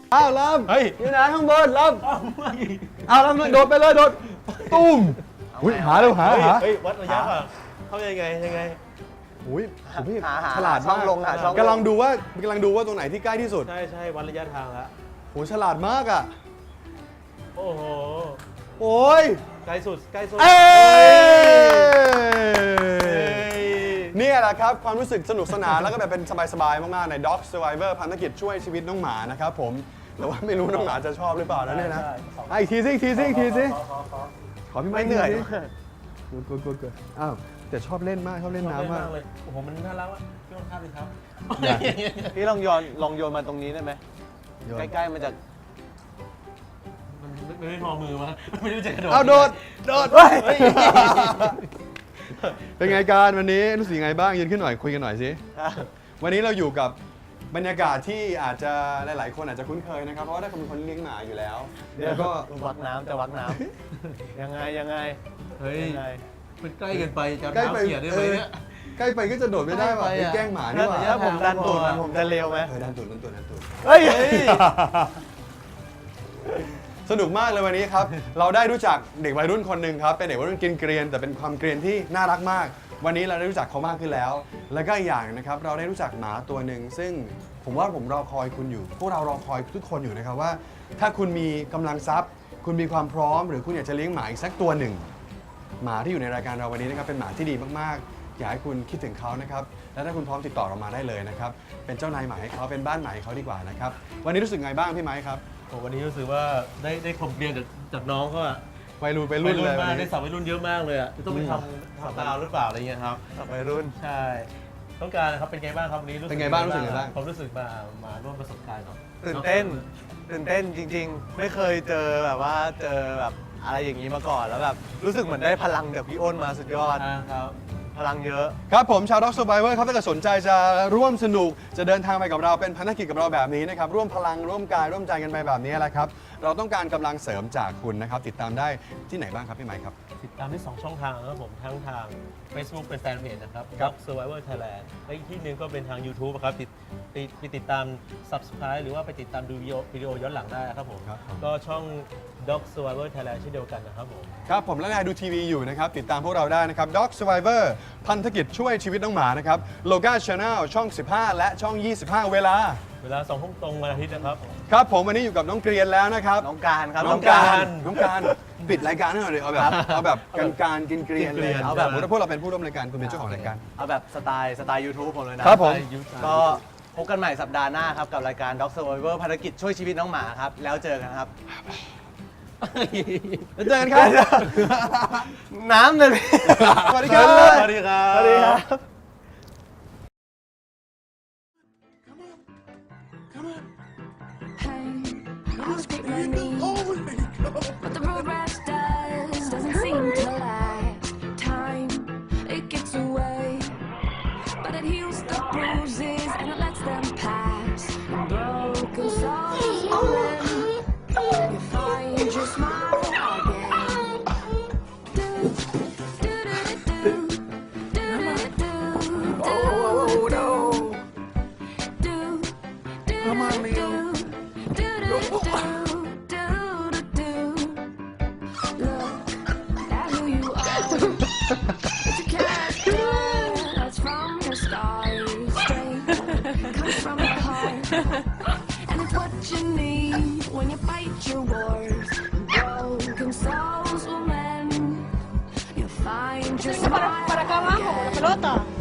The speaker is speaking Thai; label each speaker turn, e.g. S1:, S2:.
S1: อ้าวลำเฮ้ยอยู่ไหนข้างบนลำอ้าวลำโดดไปเลยโดดตุ้มอุ้ยหาเร็วหา
S2: เฮ้ยวัดระยะป่ะเขายังไง
S1: อุ้ยพี่
S3: หา
S1: ฉลาด
S3: ช่องลงหาช่อง
S1: กำลังดูว่าตรงไหนที่ใกล้ที่สุด
S2: ใช่วัดระยะทางแล้ว
S1: โหฉลาดมากอ่ะ
S2: โอ้โห
S1: โอ้ย
S2: ใกล้สุด
S1: นี่แหละครับความรู้สึกสนุกสนานแล้วก็แบบเป็นสบายๆมากๆใน Dog Survivor ภารกิจช่วยชีวิตน้องหมานะครับผมแต่ว่าไม่รู้น้องหมาจะชอบหรือเปล่านะเนี่ยนะอีกทีสิขอพี่ไม่เหนื่อยกดอ้าวแต่ชอบเล่นมากชอบเล่นน้ำมาก
S2: เลยโอ้โหมันน่ารักว่ะพี่ลองทำดิครับ
S3: พี่ลองโยนมาตรงนี้ได้ไหมใกล้ๆมันจะ
S2: ไม่พอมือมาไม่รู้จะกระโดด
S1: เอาโดดเป็นไงการวันนี้รู้สึกยังไงบ้างยืนขึ้นหน่อยคุยกันหน่อยสิวันนี้เราอยู่กับบรรยากาศที่อาจจะหลายๆคนอาจจะคุ้นเคยนะครับเพราะว่าได้เป็นคนเลี้ยงหมาอยู่แล้วแล้วก็
S3: วักน้ำยังไง
S2: เฮ้ยมันใกล้เกินไปจะน้ำเสียได้ไหมเนี่ย
S1: ใกล้ไปก็จะโดดไม่ได้ว่ะแกล้งหมานี่หว่า
S3: ถ้าผมดันตูดผมจะเร็วไหม
S1: ดันตูด
S3: เฮ้ย
S1: สนุกมากเลยวันนี้ครับเราได้รู้จักเด็กวัยรุ่นคนหนึ่งครับเป็นเด็กวัยรุ่นกินเกรียนแต่เป็นความเกรียนที่น่ารักมากวันนี้เราได้รู้จักเขามากขึ้นแล้วและก็อีกอย่างนะครับเราได้รู้จักหมาตัวหนึ่งซึ่งผมว่าผมรอคอยคุณอยู่พวกเรารอคอยทุกคนอยู่นะครับว่าถ้าคุณมีกำลังทรัพย์คุณมีความพร้อมหรือคุณอยากจะเลี้ยงหมาอีกสักตัวหนึ่งหมาที่อยู่ในรายการเราวันนี้นะครับเป็นหมาที่ดีมากๆอยากให้คุณคิดถึงเขานะครับและถ้าคุณพร้อมติดต่อเรามาได้เลยนะครับเป็นเจ้านายหมาให้เขาเป็นบ้านหมาให้เขาดีกว่านะครับวันนี้รู้สึกไงบ้างพี่ไม้ครับ
S2: วันนี้รู้สึกว่าได้คมเรียนจากน้องเขาอะ
S1: วัยรุ่นเลย
S2: มากได้สาววัยรุ่นเยอะมากเลยอะต้องไปทำดาวหรือเปล่าอะไรเงี้ยครับ
S3: วัยรุ่น
S2: ใช่ต้องการนะครับเป็นไงบ้างครับวันนี้
S1: เป็นไงบ้างรู้สึกไงบ้าง
S2: ผมรู้สึกมาร่วมประสบการณ์ครับ
S3: ตื่นเต้นจริงๆไม่เคยเจอแบบอะไรอย่างนี้มาก่อนแล้วแบบรู้สึกเหมือนได้พลังจากพี่อ้นมาสุดยอด
S2: ครับ
S3: พลังเยอะ
S1: ครับผมชาว Dog Survivor ครับถ้าเกิดสนใจจะร่วมสนุกจะเดินทางไปกับเราเป็นภารกิจกับเราแบบนี้นะครับร่วมพลังร่วมกายร่วมใจกันไปแบบนี้แหละครับเราต้องการกำลังเสริมจากคุณนะครับติดตามได้ที่ไหนบ้างครับพี่ไมค์ครับ
S2: ติดตามที่2ช่องทางนะครับผมทั้งทาง Facebook เป็นแฟนเพจนะครับ Dog Survivor Thailand และอีกที่หนึ่งก็เป็นทาง YouTube ครับติดตาม Subscribe หรือว่าไปติดตามดูวิดีโอย้อนหลังได้ครับผมก็ช่อง Dog Survivor Thailand เช่นเดียวกันนะครับผม
S1: ครับผมและนายดูทีวีอยู่นะครับติดตามพวกเราได้นะครับ Dog Survivor พันธกิจช่วยชีวิตน้องหมานะครับโลกา Channel ช่อง 15 และช่อง 25 เวลา
S2: 2 ทุ่มตรงวันอาทิตย์นะครับ
S1: ครับผมวันนี้อยู่กับน้องเกรียนแล้วนะครับ
S3: น้องการครับ
S1: น้องการปิดรายการให้หน่อยเลยเอาแบบการกินเกรียนเลยเอาแบบพวกเราเป็นผู้ร่วมรายการคุณเป็นเจ้าของรายการ
S3: เอาแบบสไตล์ YouTube ผมเลยนะครับ
S1: ผม
S3: ก็พบกันใหม่สัปดาห์หน้าครับกับรายการ Dog Survivor ภารกิจช่วยชีวิตน้องหมาครับแล้วเจอกันครับ
S1: แล้วเจอกันครับ
S3: น้ำเลย
S1: สวัสดีครับ
S2: สวัสดีครับ
S4: But the road rash doesn't seem to lie. Time, it gets away, but it heals the bruises and it lets them pass. And broken souls are in. You find your smile again. Do, do, do, do, do, do, do, do, do,
S3: Come on, Leo.
S4: do, do, do, do. It's a character that's from your scars, straight comes from the heart, and it's what you need when you fight your wars. Broken souls will mend. You find your smile again.